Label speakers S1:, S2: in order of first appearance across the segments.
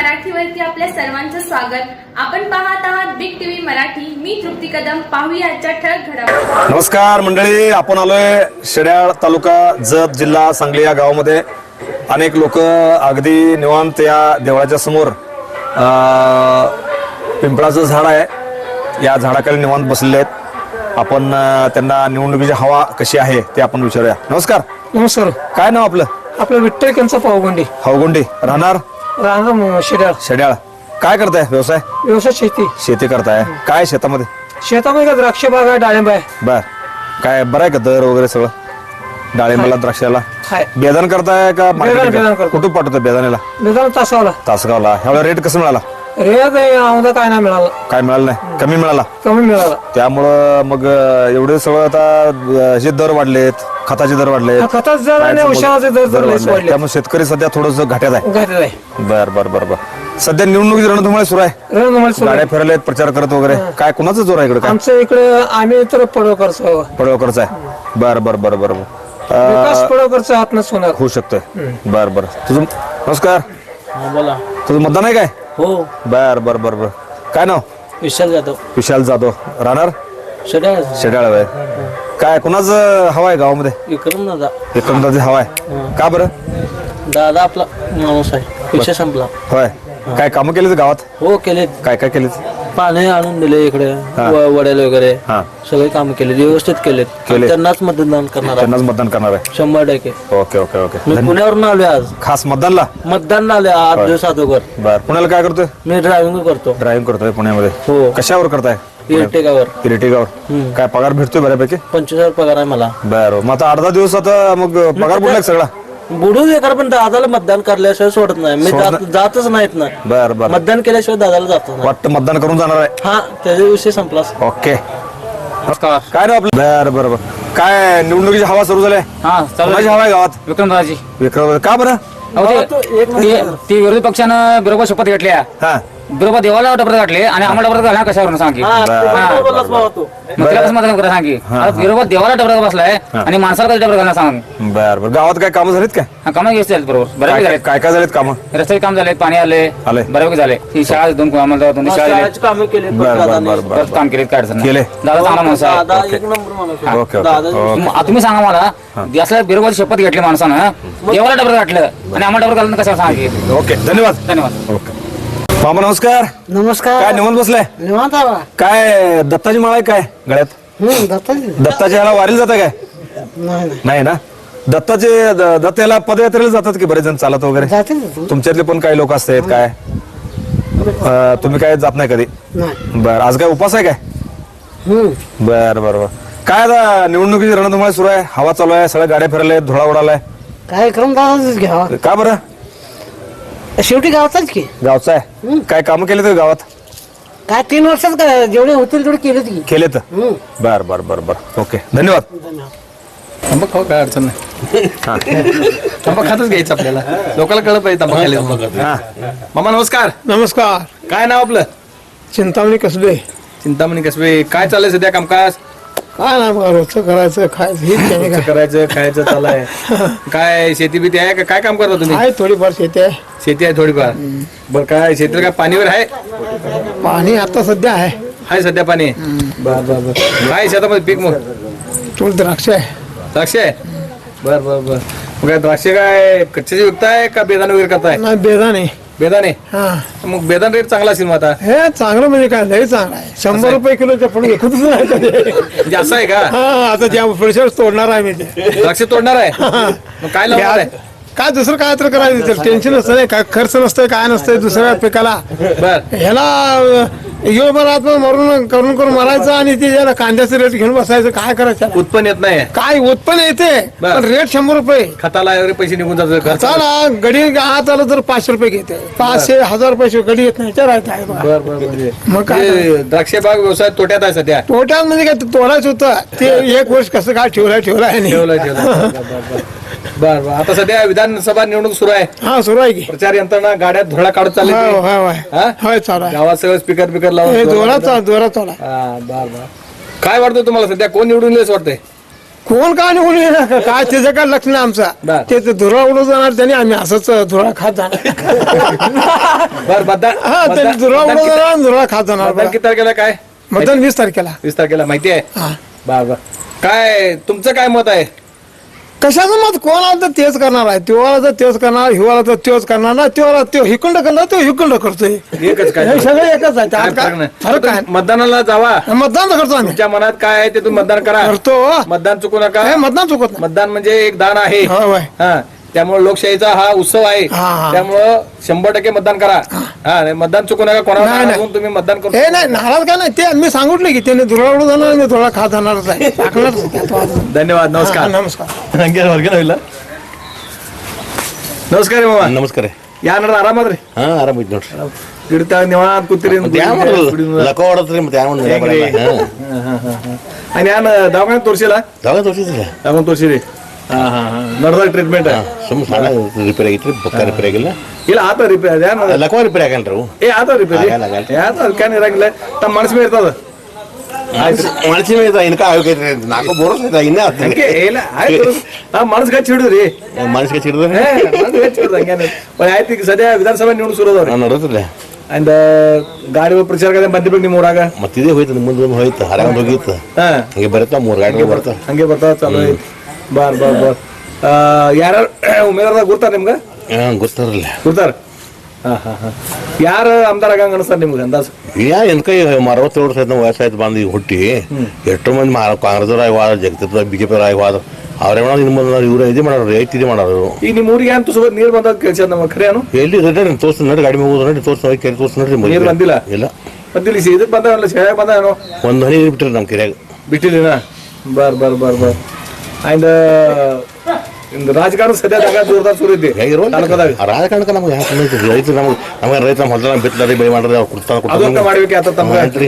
S1: मराठीवरती आपल्या सर्वांचं स्वागत. आपण पाहत आहात बिग टीव्ही मराठी. मी तृप्ती कदम. पाहूया आजच्या ठळक घडामोडी.
S2: नमस्कार मंडळी, आपण आलोय शेड्याळ तालुका जत जिल्हा सांगली या गावामध्ये. अनेक लोक अगदी निवांत या देवळाच्या समोर पिंपळाचं झाड आहे, या झाडाखाली निवांत बसलेले आहेत. आपण त्यांना निवडणुकीची हवा कशी आहे ते आपण विचारूया. नमस्कार.
S3: नमस्कार.
S2: काय नाव आपलं?
S3: आपलं विठ्ठल कंचा पावगंडी.
S2: हवगुंडी. राहणार
S3: शेड्याळ.
S2: शेड्याळ. काय करताय? व्यवसाय?
S3: व्यवसाय शेती.
S2: शेती करताय. काय शेतामध्ये?
S3: शेतामध्ये का द्राक्ष बाग आहे, डाळिंब आहे.
S2: बर. काय बरं आहे का दर वगैरे सगळं? डाळिंबाला, द्राक्षाला
S3: हाय.
S2: बेदान करताय का
S3: बेदान करतो.
S2: कुठून पाठवतोय बेदानेला?
S3: बेदान तासावला.
S2: तासगावला. ह्यावेळेला रेट कसं मिळाला?
S3: रेट आम्हाला काय नाही मिळाला.
S2: काय मिळालं नाही? कमी मिळाला.
S3: कमी मिळाला.
S2: त्यामुळं मग एवढे सगळं आता जे दर वाढलेत, खताचे दर वाढलेत,
S3: खताच जर आणि औषधाचे दर वाढले.
S2: त्यामुळे शेतकरी सध्या थोडस घाट्यात आहे.
S3: घातलेलं आहे.
S2: बर बर बर बर. सध्या निवडणुकीची रणधुमाळी सुरू आहे. गाड्या फिरलेत, प्रचार करत वगैरे. काय कुणाचं जोर आहे इकडे? काय
S3: आमच्या इकडे आम्ही तर पडवकरचं.
S2: पडवकरचा आहे. बर बर बर बर.
S3: विकास पडवकरचा हात होणार
S2: होऊ शकतोय. बर बर. तुझं नमस्कार.
S4: बोला.
S2: तुझं मतदान आहे काय?
S4: हो.
S2: बर बर बर बर. काय नाव?
S4: विशाल जाधव.
S2: विशाल जाधव. राहणार
S4: शेड्याळ.
S2: शेड्याळ आहे. काय कुणाचं हवा आहे गावामध्ये?
S4: विक्रम दादा.
S2: विक्रमदाची हवा आहे. का बरं?
S4: दादा आपला माणूस आहे. विषय संपला.
S2: होय. काय कामं केलीत गावात?
S4: हो केलेत.
S2: काय काय केलीत?
S4: पाणी आणून दिले इकडे. वड्याला वगैरे
S2: हा.
S4: सगळे काम केले, व्यवस्थित केलेत.
S2: केले.
S4: त्यांनाच मतदान करणार आहे.
S2: त्यांनाच मतदान करणार आहे.
S4: 100%.
S2: Okay okay okay.
S4: मी पुण्यावरून आलोय आज.
S2: खास मतदानला?
S4: मतदान आले 8 दिवस अगोदर.
S2: बर. पुण्याला काय करतोय?
S4: मी ड्रायव्हिंग करतो.
S2: ड्रायव्हिंग करतोय पुण्यामध्ये.
S4: हो.
S2: कशावर करताय?
S4: इरटेगावर.
S2: इलेक्ट्रिकावर. काय पगार भेटतोय बऱ्यापैकी?
S4: 25,000 पगार आहे मला.
S2: बर. मग आता 8-10 दिवस आता मग पगार बुडलाय सगळा?
S4: बुडू दे, पण दादाला मतदान करल्याशिवाय सोडत नाही मी. जातच नाहीत ना.
S2: बर बर.
S4: मतदान केल्याशिवाय दादाला जात नाही.
S2: वाटतं मतदान करून जाणार आहे.
S4: हा, त्याचा विषय संपला.
S2: ओके. काय नाव आपलं? बर बर बर. काय निवडणुकीची हवा सुरू झाली? कोणाची हवा आहे गावात?
S5: विक्रमदाजी.
S2: विक्रम. का बरं?
S5: ती विरोधी पक्षानं बरोबर शपथ घेतल्या.
S2: हा.
S5: बरोबर देवाला डबरत घातले आणि आम्हाला डबरत घालणार कशावरून सांगी. मग तिला कसं मतदान करा सांगी. बरोबर देवाला डबरत बसलाय आणि माणसाला कधी डबरत घालणार सांग.
S2: बर बर. गावात काय कामं झालीत काय?
S5: कामं घेतली बरोबर. बऱ्यापैकी झाले.
S2: काय काय झालेत कामं?
S5: रस्त्याचे काम झाले, पाणी आले, बऱ्यापैकी झाले. ही शाळा आम्हाला 2 शाळा दिले,
S4: कामे केले.
S2: बर बर बर बर.
S5: काम केले. काय अडचण नाही.
S2: केले.
S5: दादा चांगला माणूस आहे.
S4: दादा एक नंबर माणूस आहे.
S2: Okay okay.
S4: दादा
S5: तुम्ही सांगा मला, असल्या बरोबर शपथ घेतली माणसानं, देवाला डबरत घातलं आणि आम्हाला डबरत घालणं कशावर सांगी.
S2: ओके. धन्यवाद.
S5: धन्यवाद.
S2: ओके. मामा नमस्कार.
S3: नमस्कार.
S2: काय निवांत बसलाय?
S3: निवांत आहे.
S2: काय दत्ताची माळ आहे काय गळ्यात? दत्ताच्या ह्याला वारीला जाता काय? नाही ना. दत्ताचे दत्त याला पदयात्रेला जातात की बरेच जण चालत वगैरे? तुमच्यातले पण काही लोक असतात काय? तुम्ही काय जात नाही कधी? बर. आज काय उपास आहे काय? बर बर बर. काय आता निवडणुकीची रणधुमाळी सुरू आहे, हवा चालू आहे, सगळ्या गाड्या फिरल्या, धुळा उडालाय.
S3: कार्यक्रम दादाच घ्यावा.
S2: का बरं?
S3: शेवटी गावाचाच की.
S2: गावचा आहे. काय कामं केले गावात?
S3: काय 3 वर्षात काय जेवढे होतील तेवढे केलेत की.
S2: केलेत. बर बर बर बर. ओके. धन्यवाद.
S6: तंबाखू खाऊ काय अडचण नाही. तंबाखू खातच घ्यायचं आपल्याला. लोकांना कळत पाहिजे तंबाखू खायला. हा. मामा नमस्कार.
S3: नमस्कार.
S6: काय नाव आपलं?
S3: चिंतामणी कसबे.
S6: चिंतामणी कसबे. काय चाललंय सध्या कामकाज?
S3: काय नाही बघा, रोजचं करायचं खायचं हेच त्याने काय.
S6: करायचं खायचं चाललंय. काय शेती बिती आहे का? काय काम करता तुम्ही?
S3: आहे थोडीफार शेती आहे.
S6: शेती आहे थोडीफार. बरं. काय शेतीला काय पाणीवर आहे?
S3: पाणी आता सध्या आहे
S6: सध्या पाणी. बर बर बर. काय शेतामध्ये पीक मग?
S3: थोडी द्राक्ष आहे.
S6: द्राक्ष आहे. बर बर बर. मग काय द्राक्ष काय कच्च्याची विकताय का बेदाणे वगैरे करताय?
S3: नाही बेदाणे.
S6: बेदाणे.
S3: हा.
S6: मग बेदाण रेट चांगला असेल मग आता?
S3: हे चांगलं म्हणजे काय लय चांगलं आहे. 100 रुपये किलोच्या पण घेतच नाही कधी.
S6: म्हणजे असं आहे का?
S3: हा. आता ज्या पुढच्या तोडणार आहे मी ते.
S6: द्राक्ष तोडणार आहे. मग काय लावणार आहे?
S3: काय दुसरं काय तर करायचं, टेन्शन नसतं नाही, काय खर्च नसतंय, काय नसतंय दुसऱ्या पिकाला.
S6: बर.
S3: ह्याला योबरात मरून करून मारायचं आणि ते ज्याला कांद्याचं रेट घेऊन बसायचं. काय करायचं?
S6: उत्पन्न येत नाही.
S3: काय उत्पन्न येते पण रेट 100 रुपये.
S6: खताला वगैरे पैसे निघून जातात.
S3: चला गडी आत आलं तर 500 रुपये घेते. 500 1000 पैसे गडी येत नाही. विचारायचं
S6: बर बर. म्हणजे
S3: मग काय
S6: द्राक्ष बाग व्यवसाय तोट्यात आहे सध्या.
S3: तोट्यात म्हणजे काय तोडायचं होतं ते 1 वर्ष कसं काय ठेवलंय
S6: ठेवलं. बर बर. आता सध्या विधानसभा निवडणूक सुरू आहे.
S3: हा सुरू आहे की.
S6: प्रचार यंत्रणा गाड्यात धोळा काढत चालली.
S3: होय चालू आहे.
S6: गावात सगळं स्पीकर लावून
S3: जोरात चालू.
S6: बर बर. काय वाटतं तुम्हाला सध्या कोण निवडून येईल असं वाटतंय?
S3: कोण काय निघून येणार का? काय त्याचं काय लक्ष नाही आमचा
S6: बर.
S3: ते धुरा उडत जाणार त्यांनी आम्ही असंच धुरा खात जाणार
S6: बर मतदान
S3: हा त्यांनी
S6: मतदान-
S3: धुरा
S6: मतदान
S3: उडत
S6: किती-
S3: जाणार आणि धुरा खात जाणार
S6: मतदान किती तारखेला काय
S3: मतदान 20 तारखेला
S6: 20 तारखेला माहिती आहे
S3: हा.
S6: बर काय तुमचं काय मत आहे
S3: कशाचं मत कोण आलं तर तेच करणार आहे तेव्हा तर तेच करणार हिवाळा तर तेच करणार ना तेव्हा तो हिकुंड करणार तो हिकुंड करतोय
S6: एकच काय
S3: हे सगळं एकच आहे
S6: काय
S3: त्यात
S6: फरक
S3: काय
S6: नाही.
S3: फरक काय
S6: मतदानाला जावा
S3: मतदान तर करतो आम्ही
S6: तुमच्या मनात काय आहे ते तुम्ही मतदान करा
S3: करतो
S6: मतदान चुकू नका
S3: हे मतदान चुकत नाही
S6: मतदान म्हणजे एक दान आहे
S3: होय, होय.
S6: हा त्यामुळे लोकशाहीचा हा उत्सव आहे
S3: हा, हा.
S6: त्यामुळं 100% मतदान करा हा नाही, मतदान चुकू नका कोणाला
S3: नाही, नाही.
S6: सांगून तुम्ही मतदान करू
S3: हे नाही नाराज काय नाही ते मी सांगितलं की त्याने धुरा उडत जाणार आणि धुरा खात जाणारच आहे टाकणारच आहे त्यात वाद नाही.
S6: धन्यवाद
S3: हा,
S6: नमस्कार
S3: नमस्कार
S6: नमस्कार रे मामा
S7: ನಮಸ್ಕಾರ
S6: या ನಡ ಆರಾಮದ್ರಿ
S7: ಹಾ ಆರಾಮೈತಿ ನೋಡ್ರಿ
S6: ಗಿಡತಾಗ ನಿವಾಂತ ಕೂತಿರಿ
S7: ಲಕ ಹೊಡತ್ರಿ ಮತ್ತೆ ಯಾವ
S6: आणि ಯಾನ್ ದವಾಖಾನೆ ತೋರಿಸಿಲ್ಲ
S7: ದವಾಗ ತೋರಿಸಿದ್ರಿ
S6: ದವಾಖಾನೆ ತೋರಿಸಿರಿ ನಡ್ದಾಗ ಟ್ರೀಟ್ಮೆಂಟ್
S7: ಸುಮ್ ಸಣ್ಣ ರಿಪೇರ್ ಆಗೈತ್ರಿ ಬೊಕ್ಕ ರಿಪೇರ್ ಆಗಿಲ್ಲ
S6: ಇಲ್ಲ ಆತ ರಿಪೇರಿ ಅದೇನ್
S7: ಲಕವ ರಿಪೇರ್ ಆಗಲ್ರಿ ಅವು
S6: ಏ ಆತ ರಿಪೇರಿ
S7: ಆಗಲ್ಲ, ಆಗಲ್ಲ.
S6: ಯಾತ ಅದಕ್ಕೇನ್ ಇರಂಗಿಲ್ಲ ತಮ್ಮ ಮನಸ್ಸು ಮೇಲೆ ಇರ್ತದ
S7: ಮನಸ್ಸಿ ಮೇಲೆ ಇನ್ಕ ಆಗೈತ್ರಿ ನಾಲ್ಕು ಬೋರಸ್ ಐತ ಇನ್ನೇ
S6: ಹಂಗೆ ಇಲ್ಲ ಆಯ್ತು ಮನಸ್ಸು ಗಚ್ಚಿ ಹಿಡಿದ್ರಿ
S7: ಮನಸ್ಸಿಗೆ ಚಿಡಿದ್ರೆ
S6: ಮನಸ್ಸು ಗಚ್ಚಿ ಹಿಡಿದ ಹಂಗೇನು ಆಯ್ತು ಈಗ ಸದ್ಯ ವಿಧಾನಸಭೆ ನಿವಣುಕ್ ಸುರು ಅದಾವ್ರಿ
S7: ನೋಡತ್ರಿ
S6: ಅಂಡ್ ಗಾಡಿ ಪ್ರಚಾರ ಬಂದಿರ್ಬೇಕು ನಿಮ್ಮ ಊರಾಗ
S7: ಮತ್ತಿದೇ ಹೋಯ್ತು ಮುಂದೆ ಒಂದು ಹೋಯ್ತು ಹರಾಗ ಹೋಗಿತ್ತು
S6: ಹಾ
S7: ಹಂಗೆ ಬರುತ್ತಾ 3 ಗಾಡಿ ಬರ್ತಾವ
S6: ಹಂಗೆ ಬರ್ತಾವ ಚಲೋ ಐತಿ ಬಾರ್ ಬಾರ್ ಬಾರ್ ಯಾರು ಉಮೇದಾರದಾಗ ಗುರ್ತಾರ ನಿಮ್ಗೆ
S7: ಗೊತ್ತಾರಲ್ಲ
S6: ಗುರ್ತಾರ ಯಾರು ಆಮದಾರ ಆಗಂಗ ಅನಿಸ್ತಾರ ನಿಮ್ಗೆ ಅಂದಾಜು
S7: ಯಾ ಎನ್ಕ 67 ವರ್ಷ ಆಯ್ತು ವಯಸ್ಸಾಯ್ತು ಬಂದು ಈಗ ಹುಟ್ಟಿ ಎಷ್ಟೋ ಮಂದಿ ಕಾಂಗ್ರೆಸ್ ವಾದ ಜಗತ್ತಿಪ್ ಬಿಜೆಪಿ ವಾದ ಅವ್ರೇ ಮಾಡೋದು ಇನ್ನು ಮುಂದೆ ಇವ್ರು ಇದು ಮಾಡೋರು ರೈತ ಇದು ಮಾಡೋರು
S6: ಈಗ ನಿಮ್ಮ ಊರಿಗೆ ಏನು ತುಸು ನೀರು ಬಂದಾಗ ಕೇಳ್ಸ ನಮ್ಮ ಖರೆ ಏನು
S7: ಎಲ್ಲಿ ರೆಡಿ ತೋರ್ಸ್ ನೋಡಿ ಗಾಡಿ ಹೋಗೋದು ನೋಡಿ ತೋರ್ಸ್ ಹೋಗಿ ಕೆರೆ ತೋರ್ಸ್ ನೋಡ್ರಿ
S6: ನೀರು ಬಂದಿಲ್ಲ
S7: ಇಲ್ಲ
S6: ಬಂದಿಲ್ಲ ಇದಕ್ಕೆ ಬಂದಲ್ಲ ಶೇಯಾಗ ಬಂದ ಏನೋ
S7: ಒಂದು ಹನಿ ಬಿಟ್ರಿ ನಮ್ಮ ಕೆರೆಯಾಗ
S6: ಬಿಟ್ಟಿಲ್ಲ ಬಾರ್ ಬಾರ್ ಬಾರ್ ಬಾರ್ ಅಂಡ್ ರಾಜಕಾರಣ ಸದ್ಯದಾಗ ಜೋರ್ದಾರ್ ಸುರು ಐತಿ ತಾಲೂಕದಾಗ
S7: ರಾಜಕಾರಣಕ್ಕೆ ನಮ್ಗೆ ಯಾಕೆ ರೈತರು ನಮ್ಗೆ ರೈತ ಹೊಲ ಬಿತ್ತಲಾರಿ ಬೆಳೆ ಮಾಡ್ರಿ ಅವ್ರು
S6: ಅದೊಂದು ಮಾಡ್ಬೇಕು ಆತ ತಮ್ಗೆ
S7: ಮಾಡ್ರಿ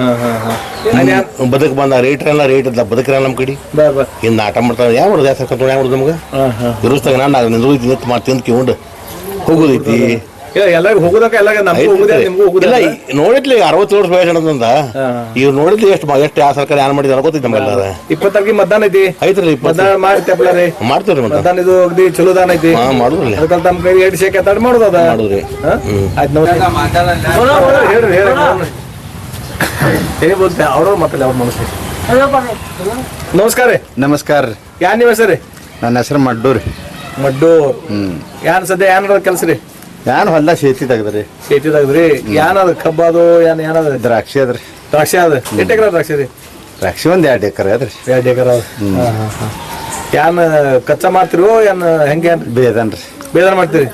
S7: ಬದುಕು ಬಂದ ರೇಟ್ ಎಲ್ಲ ರೇಟ್ ಇದ್ದ ಬದುಕ್ರಲ್ಲ ನಮ್ಮ ಕಡೆ
S6: ಬಾರ್ ಬಾರ್
S7: ಇನ್ನು ಆಟ ಮಾಡ್ತಾರೆ ಯಾವ ಮಾಡೋದು ಯಾವ ಸರ್ಕಾರ ಯಾವ ಮಾಡೋದು ನಮ್ಗೆ ಇರುಸ್ತಾಗ ನಾನು ನಿಂದು ನಿಂತು ಮಾಡಿ ತಿಂದು ಕಿವ್ಕೊಂಡು ಹೋಗೋದೈತಿ
S6: ಇಲ್ಲ ಎಲ್ಲರಿಗೂ ಹೋಗುದಕ್ಕ ಎಲ್ಲ ನಮಗೂ ಹೋಗುದೇ ನಿಮಗೂ
S7: ಇಲ್ಲ
S6: ಹೋಗುದಿಲ್ಲ
S7: ನೋಡಿದ್ಲಿ 60 ವರ್ಷ ವಯಸ್ಸು ಅನ್ನೋದಂದ ಇವ್ರು ನೋಡಿದ್ಲಿ ಎಷ್ಟು ಯಾವ ಸರ್ಕಾರ ಏನ್ ಮಾಡಿದಾರ ಗೊತ್ತೈತಿ ನಮ್ಗೆಲ್ಲ
S6: 20 ತಾರೀಕಿಗೆ ಮತದಾನ ಐತಿ
S7: ಐತ್ರಿ
S6: ಮತದಾನ ಮಾಡಿ ತೆಪ್ಪಲ ರೀ
S7: ಮಾಡ್ತೀವ್ರಿ ಮತ್ತೆ
S6: ಮತದಾನ ಇದು ಅಗದಿ ಚಲೋ ದಾನ ಐತಿ
S7: ಹಾ ಮಾಡುದ್ರಲ್ಲ
S6: ಅದಕ್ಕೆ ತಮ್ಮ ಕೈ ಎರಡು ಶೇಕ್ ಎತ್ತಾಡ್ ಮಾಡೋದು ಅದ
S7: ಮಾಡುದ್ರಿ
S6: ಆಯ್ತು ನಮಸ್ಕಾರ ಹೇಳ್ರಿ ಹೇಳಿ ಏನೇ ಬೋಲ್ತೆ ಅವ್ರವ್ರ ಮಾತಲ್ಲ ಅವ್ರ ಮನಸ್ಸು ನಮಸ್ಕಾರ ರೀ
S8: ನಮಸ್ಕಾರ ರೀ
S6: ಯಾನ್ ನಿಮ್ಮ ಹೆಸರು ರೀ
S8: ನನ್ನ ಹೆಸರು ಮಡ್ಡೂರಿ
S6: ಮಡ್ಡು ಯಾನ್ ಸದ್ಯ ಯಾನ್ ಕೆಲಸ ರೀ
S8: ಯಾನ್ ಹೊಲ್ದಾಗ ಶೇತಿ ತೆಗ್ದ್ರಿ
S6: ಸೇತಿದಾಗ್ರಿ ಯಾನ್ ಅದ ಕಬ್ಬ ಅದು ಏನದ
S8: ದ್ರಾಕ್ಷಿ ಅದ್ರಿ
S6: ದ್ರಾಕ್ಷಿ ಅದ ಎಷ್ಟು ಎಕರೆ ದ್ರಾಕ್ಷಿ ರೀ
S8: ದ್ರಾಕ್ಷಿ ಒಂದ್ 2 ಎಕರೆ ಅದ್ರಿ
S6: 2 ಎಕರೆ ಅದ ಯಾನ್ ಕಚ್ಚಾ ಮಾಡ್ತಿರೋ ಏನ್ ಹೆಂಗೆ
S8: ಬೇದನ್ರಿ
S6: ಬೇದಾನ ಮಾಡ್ತೀರಿ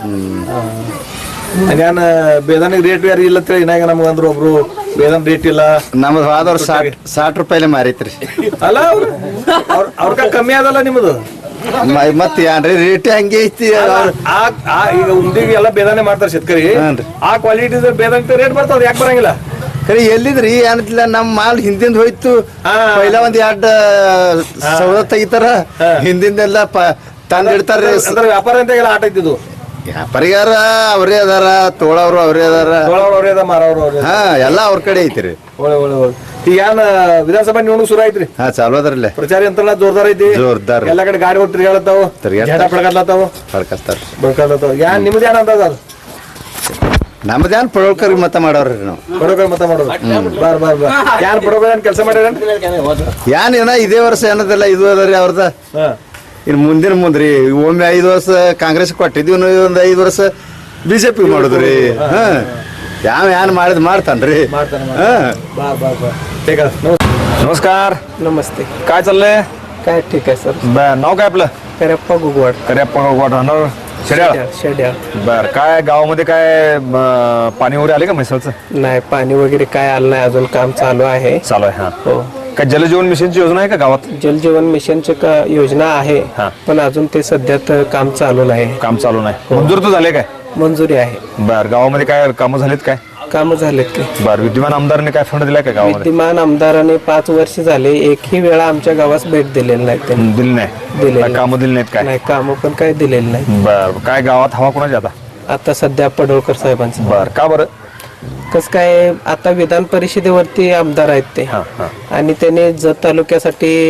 S6: ಯಾನ್ ಬೇದಾನಿಗೆ ರೇಟ್ ಯಾರು ಇಲ್ಲ ಅಂತೇಳಿ ಇನ್ನಾಗ ನಮ್ಗೆ ಅಂದ್ರು ಒಬ್ರು ಬೇದಾನ್ ರೇಟ್ ಇಲ್ಲ
S8: ನಮ್ದು ಹೋದವ್ರು 60 ರೂಪಾಯಿಲೆ ಮಾರೈತ್ರಿ
S6: ಅಲ್ಲ ಅವ್ರಕ ಕಮ್ಮಿ ಅದಲ್ಲ ನಿಮ್ಮದು
S8: ಮತ್ ಏನ್ರಿ ರೇಟ್ ಹಂಗೆ ಐತಿ
S6: ಈಗ ಉಂಡಿಗೆ ಎಲ್ಲ ಬೇದಾನೆ ಮಾಡ್ತಾರೆ ಶೇತಕರಿ
S8: ಹಾನ್ರಿ.
S6: ಆ ಕ್ವಾಲಿಟಿ ಬೇದಾನ್ ರೇಟ್ ಬರ್ತಾವ ಯಾಕೆ ಬರಂಗಿಲ್ಲ
S8: ಕರೆ ಎಲ್ಲಿದ್ರಿ ಏನಿಲ್ಲ ನಮ್ ಮಾಲ್ ಹಿಂದಿಂದ ಹೋಯ್ತು
S6: ಹಾ.
S8: ಪೈಲ ಒಂದ್ 2 ಸೌದ ತೆಗಿತಾರ ಹಿಂದಿಂದೆಲ್ಲ ತಂದಿಡ್ತಾರ್ರಿ
S6: ಅಂದ್ರೆ ವ್ಯಾಪಾರ ಅಂತ ಎಲ್ಲ ಆಟ ಇದ್ದಿದ್ದು
S8: ವ್ಯಾಪಾರಿಗಾರ ಅವ್ರೇ ಅದಾರ ತೋಳವ್ರು ಅವ್ರೇ ಅದಾರ
S6: ತೊಳವ್ರು ಅವ್ರೇ ಅದ ಮಾರವ್ರು ಅವ್ರೇ
S8: ಹಾ ಎಲ್ಲ ಅವ್ರ ಕಡೆ ಐತ್ರಿ
S6: ಒಳ್ಳೆ ಒಳ್ಳೆ ಒಳ್ಳೆ ಈಗ ಏನ್ ವಿಧಾನಸಭಾ ನಿವಣುಕ್ ಶುರು ಐತ್ರಿ
S8: ಹಾ ಚಾಲು ಅದ್ರಲ್ಲೇ
S6: ಪ್ರಚಾರ ಯಂತ್ರಣ ಜೋರ್ದಾರ್ ಐತಿ
S8: ಜೋರ್ದಾರ್.
S6: ಎಲ್ಲಾ ಕಡೆ ಗಾಡಿ ಹೋಗಿ ತಿರ್ಗಾಡತ್ತಾವ
S8: ತಿರ್ಗಾಡ್ತಾವ.
S6: ಜಡ ಪಡ್ಕಾಡ್ಲತ್ತಾವ
S8: ಹೊಡ್ಕಸ್ತಾರ್ರಿ
S6: ಬಡ್ಕಾಡ್ಲತ್ತಾವ ಯಾನ್ ನಿಮ್ದು ಏನ್ ಅಂತದ ಅದು
S8: ನಮ್ದೇನ್ ಪಡೋಳ್ಕರ್ ಮತ ಮಾಡವ್ರಿ ನಾವು
S6: ಬಡೋಕರ್ ಮತ ಮಾಡೋದು ಬಾರ್ ಬಾರ್ ಬಾರ್ ಯಾನ್ ಬಡೋಕರ್ ಏನ್ ಕೆಲಸ ಮಾಡ್ಯಾರ
S8: ಏನ್ ಏನ ಇದೇ ವರ್ಷ ಏನದಲ್ಲ ಇದು ಅದರಿ ಅವ್ರದ ಇನ್ ಮುಂದಿನ ಮುಂದ್ರಿ ಒಮ್ಮೆ 5 ವರ್ಷ ಕಾಂಗ್ರೆಸ್ ಕೊಟ್ಟಿದ್ವಿ ಒಂದ್ 5 ವರ್ಷ ಬಿಜೆಪಿ ಮಾಡುದ್ರಿ ಹಾ ಯಾವ ಏನ್ ಮಾಡಿದ್ ಮಾಡ್ತಾನ್ರಿ
S6: ಮಾಡ್ತಾನೆ
S8: ಹಾ
S6: बार बार बार ठीक आहे
S2: नमस्कार
S3: नमस्ते
S2: काय चाललंय
S3: काय ठीक आहे सर
S2: नाव काय आपलं
S3: करेप्पा गुगवाड
S2: करेप्पा गोट राहणार शेड्याळ
S3: शेड्या
S2: बर काय गावामध्ये काय पाणी वगैरे आले का म्हैसाळचं
S3: नाही पाणी वगैरे काय आलं नाही अजून काम चालू आहे
S2: चालू आहे हा
S3: हो
S2: काय जलजीवन मिशनची योजना आहे का गावात
S3: जलजीवन मिशनची योजना आहे
S2: हा.
S3: पण अजून ते सध्यात काम चालू नाही
S2: काम चालू नाही मंजूर तर झाले काय
S3: मंजुरी आहे
S2: बर गावामध्ये काय कामं झालीत काय
S3: कामं झालेत की
S2: बर विद्यमान आमदारांनी काय फंड दिलाय का गावामध्ये
S3: विद्यमान आमदाराने 5 वर्ष झाले एकही वेळा आमच्या गावास भेट दिलेली नाही त्यांनी
S2: दिली नाही
S3: दिलेली
S2: काय कामं दिली नाहीत काय
S3: नाही कामं पण काय दिलेली नाही
S2: बर काय गावात हवा कोणाची आता
S3: आता सध्या पडोळकर साहेबांचं
S2: बर का बरं
S3: कसं काय आता विधान परिषदेवरती आमदार आहेत ते
S2: हा हा
S3: आणि त्याने जत तालुक्यासाठी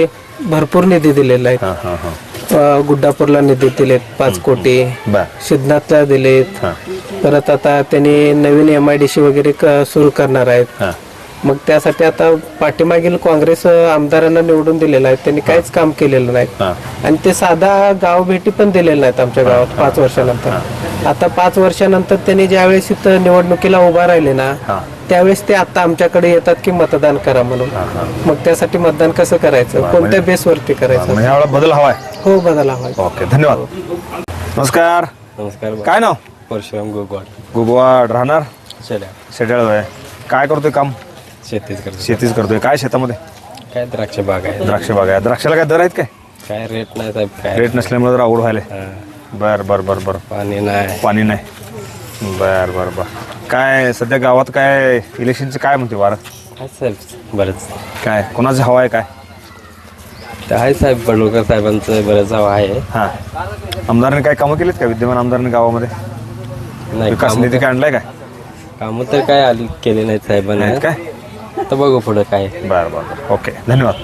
S9: भरपूर निधी दिलेला आहे.
S2: हा हा हा
S9: गुड्डापूरला निधी दिलेत 5 कोटी,
S2: बर
S9: सिद्धनाथला दिलेत.
S2: हा
S9: परत आता त्यांनी नवीन MIDC वगैरे सुरू करणार आहेत.
S2: हा
S9: मग त्यासाठी आता पाठीमागील काँग्रेस आमदारांना निवडून दिलेलं आहे, त्यांनी काहीच काम केलेलं नाही.
S2: हा
S9: आणि ते साधा गाव भेटी पण दिलेल्या नाहीत आमच्या गावात 5 वर्षानंतर. आता 5 वर्षानंतर त्यांनी ज्यावेळेस इथं निवडणुकीला उभा राहिले ना,
S2: हा
S9: त्यावेळेस ते आता आमच्याकडे येतात की मतदान करा म्हणून. मग त्यासाठी मतदान कसं करायचं, कोणत्या बेसवरती करायचं?
S2: म्हणजे यावेळेला बदल हवाय.
S9: हो, बदला हवाय.
S2: ओके, धन्यवाद. नमस्कार.
S6: नमस्कार.
S2: काय नाव?
S6: परशुराम गोगवाड.
S2: गुगवाड. राहणार
S6: शेड्या.
S2: शेड्याळ आहे. काय करतोय काम?
S6: शेतीच करतो.
S2: शेतीच करतोय. काय शेतामध्ये?
S6: काय द्राक्ष बाग आहे.
S2: द्राक्ष बाग आहे. द्राक्षाला काय दर आहेत काय?
S6: काय रेट नाही साहेब. काय
S2: रेट नसल्यामुळे जर आवड व्हायला. बर बर बर बर.
S6: पाणी नाही.
S2: पाणी नाही. बर बर बर. काय सध्या गावात काय इलेक्शनचं काय म्हणते वारं?
S6: काय साहेब बरंच
S2: काय कोणाचं हवा आहे काय?
S6: ते आहे साहेब बडोलकर साहेबांचं बरंच हवं आहे.
S2: हा आमदारांनी काय कामं केलीत का? विद्यमान आमदारांनी गावामध्ये
S6: नाही
S2: विकास निधी काय आणलाय काय?
S6: कामं तर काय आली केले नाहीत साहेबांनी.
S2: नाहीत काय?
S6: तर बघू पुढं काय.
S2: बर बर बर. ओके, धन्यवाद.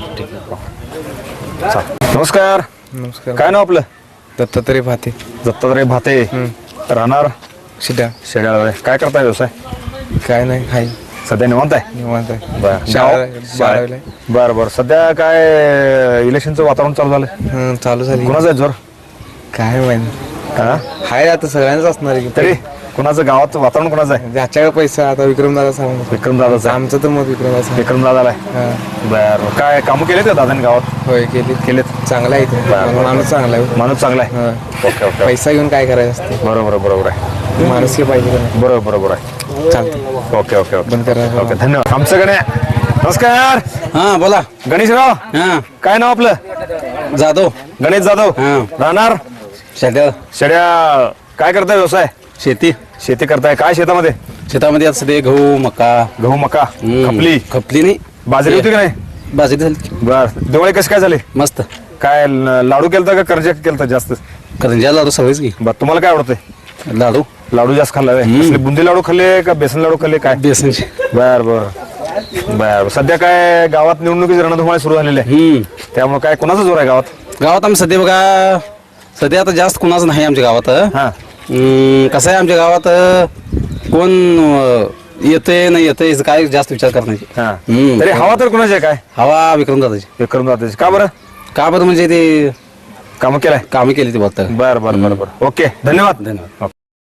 S2: चालेल. नमस्कार.
S3: नमस्कार.
S2: काय नाव आपलं?
S3: दत्तात्रय भाते.
S2: दत्तात्रय भाते. राहणार
S3: शिट्या.
S2: शेड्याळ. काय करताय व्यवसाय?
S3: काय नाही, हाय
S2: सध्या निवांत आहे.
S3: निवांत आहे.
S2: बर
S3: शाळेला.
S2: बर बर. सध्या काय इलेक्शनचं वातावरण चालू झालं?
S3: चालू झाली.
S2: कुणाचं आहे जोर?
S3: काय माहिती,
S2: हा
S3: हाय आता सगळ्यांच असणार आहे.
S2: तरी कुणाचं गावात वातावरण कुणाचं आहे?
S3: ज्याच्याकडे पैसा आता विक्रमदादा सांगू.
S2: विक्रमदादाचं आहे.
S3: आमचं तर मत विक्रमदादा.
S2: विक्रमदादाला आहे. बर. काय कामं केलेत का दादाने गावात?
S3: होय, केलीत. चांगला आहे ते. माणूस चांगला आहे.
S2: माणूस चांगला आहे.
S3: हा.
S2: Okay okay.
S3: पैसा घेऊन काय करायचं असते.
S2: बरोबर बरोबर आहे.
S3: माणूस के पाहिजे का नाही?
S2: बरोबर बरोबर आहे.
S3: चालतं.
S2: Okay okay okay.
S3: बंद करा.
S2: ओके, धन्यवाद. आमचं गणे. नमस्कार.
S4: हा बोला.
S2: गणेशराव.
S4: हा
S2: काय नाव आपलं?
S4: जाधव.
S2: गणेश जाधव.
S4: हा.
S2: राहणार
S4: शेड्या.
S2: शेड्या. काय करताय व्यवसाय?
S4: शेती.
S2: शेती करताय. काय शेतामध्ये?
S4: शेतामध्ये आता सध्या गहू मका.
S2: गहू मका. खपली.
S4: खपली नाही.
S2: बाजरी होती की नाही?
S4: बाजरी झाली.
S2: बर. दिवाळी कशी काय झाली?
S4: मस्त.
S2: काय लाडू केलता का करंज्या केलता जास्त?
S4: करंजा लाडू सगळेच घे.
S2: बर. तुम्हाला काय आवडतंय?
S4: लाडू.
S2: लाडू जास्त खाल्ला व्हय? कसले बुंदी लाडू खाल्ले का बेसन लाडू खाल्ले काय?
S4: बेसनचे.
S2: बर बर बर. सध्या काय गावात निवडणुकीची रणधुमाळी सुरू झालेली आहे, त्यामुळे काय कोणाचा जोर आहे गावात?
S4: गावात आम्ही सध्या बघा सध्या आता जास्त कुणाचं नाही आमच्या गावात.
S2: हा
S4: कसं आहे आमच्या गावात कोण येतंय नाही येतंय काय जास्त विचार करण्याची.
S2: हा. तरी हवा तर कोणाची आहे काय?
S4: हवा विक्रमदादाची.
S2: विक्रमदादाची. का बरं?
S4: का बरं म्हणजे ते
S2: कामं केलाय?
S4: कामं केली ते बघता.
S2: बर बर बर बर. ओके, धन्यवाद.
S4: धन्यवाद.